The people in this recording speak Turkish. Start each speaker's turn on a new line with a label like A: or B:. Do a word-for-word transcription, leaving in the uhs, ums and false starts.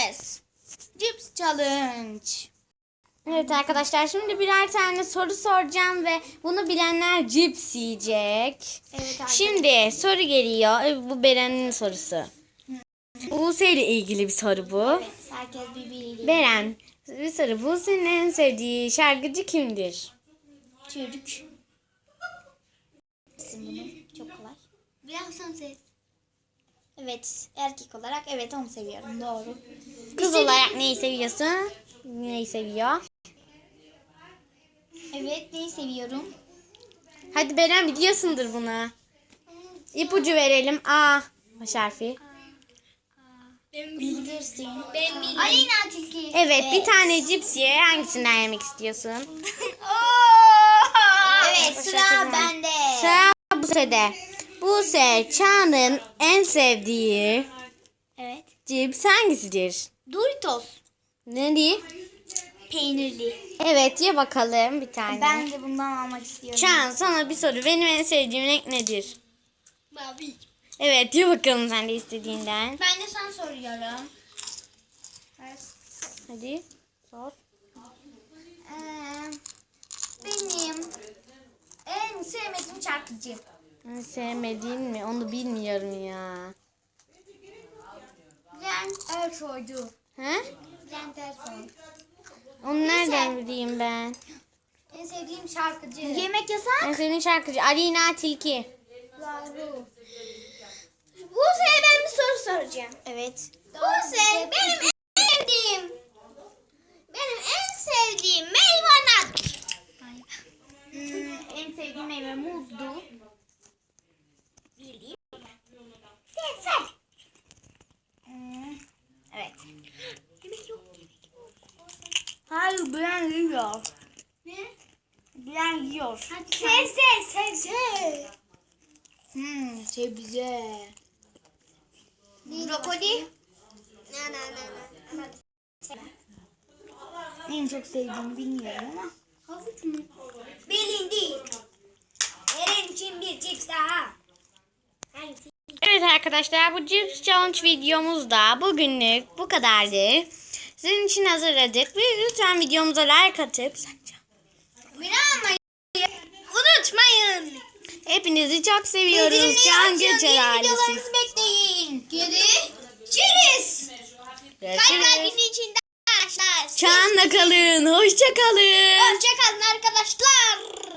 A: Yes. Cips challenge.
B: Evet arkadaşlar, şimdi birer tane soru soracağım ve bunu bilenler cips yiyecek.
A: Evet arkadaşlar.
B: Şimdi soru geliyor. E, Bu Beren'in sorusu. Buse ile ilgili bir soru bu.
A: Evet, herkes birbiriyle.
B: Beren, bir soru. Buse'nin en sevdiği şarkıcı kimdir?
A: Çocuk. İsim bunu. Çok kolay. Biraz sen sev. Evet, erkek olarak evet onu seviyorum. Doğru.
B: Kız olarak neyi seviyorsun? Neyi seviyor?
A: Evet, neyi seviyorum?
B: Hadi Beren, biliyorsundur bunu. İpucu verelim. A baş harfi.
A: Bilirsin. Ben bilirim. Aleyna Tilki.
B: Evet, bir tane cips ye. Hangisinden yemek istiyorsun?
A: Evet, sıra bende.
B: Sıra Buse'de. Buse, Çağan'ın en sevdiği
A: Evet.
B: cips hangisidir?
A: Doritos.
B: Ne diye?
A: Peynirli.
B: Evet, ye bakalım bir tane.
A: Ben de bundan almak istiyorum.
B: Çağan, sana bir soru. Benim en sevdiğim renk nedir?
A: Mavi.
B: Evet, ye bakalım sen de istediğinden.
A: Ben de sana soruyorum.
B: Hadi sor.
A: Ee, benim en sevmediğim şarkıcı.
B: En sevmediğin mi? Onu bilmiyorum ya.
A: Bülent Ersoy'du.
B: He?
A: Bülent Ersoy.
B: Onu nereden bileyim ben?
A: En sevdiğim şarkıcı. Yemek yasak.
B: En sevdiğim şarkıcı Aleyna Tilki.
A: Doğru. Buse'ye ben bir soru soracağım. Evet. Buse, benim en sevdiğim benim en sevdiğim meyve nedir? Hmm, en sevdiğim meyve muzdu. Bileyim. Sen sen. Hmm, evet. Yemek yok, yemek yok. Hayır, ben yiyor. Ne? Ben yiyor. Sebze, sebze. Hmm, sebze. Brokoli. Na na na na. En çok sevdiğimi bilmiyorum ama. Havuç mu? Bilindi. Eren için bir cips daha. Hangisi?
B: Evet arkadaşlar, bu cips challenge videomuz da bugünlük bu kadardı. Sizin için hazırladık. Ve lütfen videomuza like atıp
A: Unutmayın. Unutmayın.
B: hepinizi çok seviyoruz.
A: Bildirimleri
B: Can
A: açın,
B: Göçer
A: yeni
B: ailesi.
A: videolarınızı bekleyin. Görüşürüz. Kalp
B: Görüşürüz.
A: kalbinin içinde arkadaşlar.
B: Çağan'la kalın. Hoşça kalın.
A: Hoşçakalın arkadaşlar.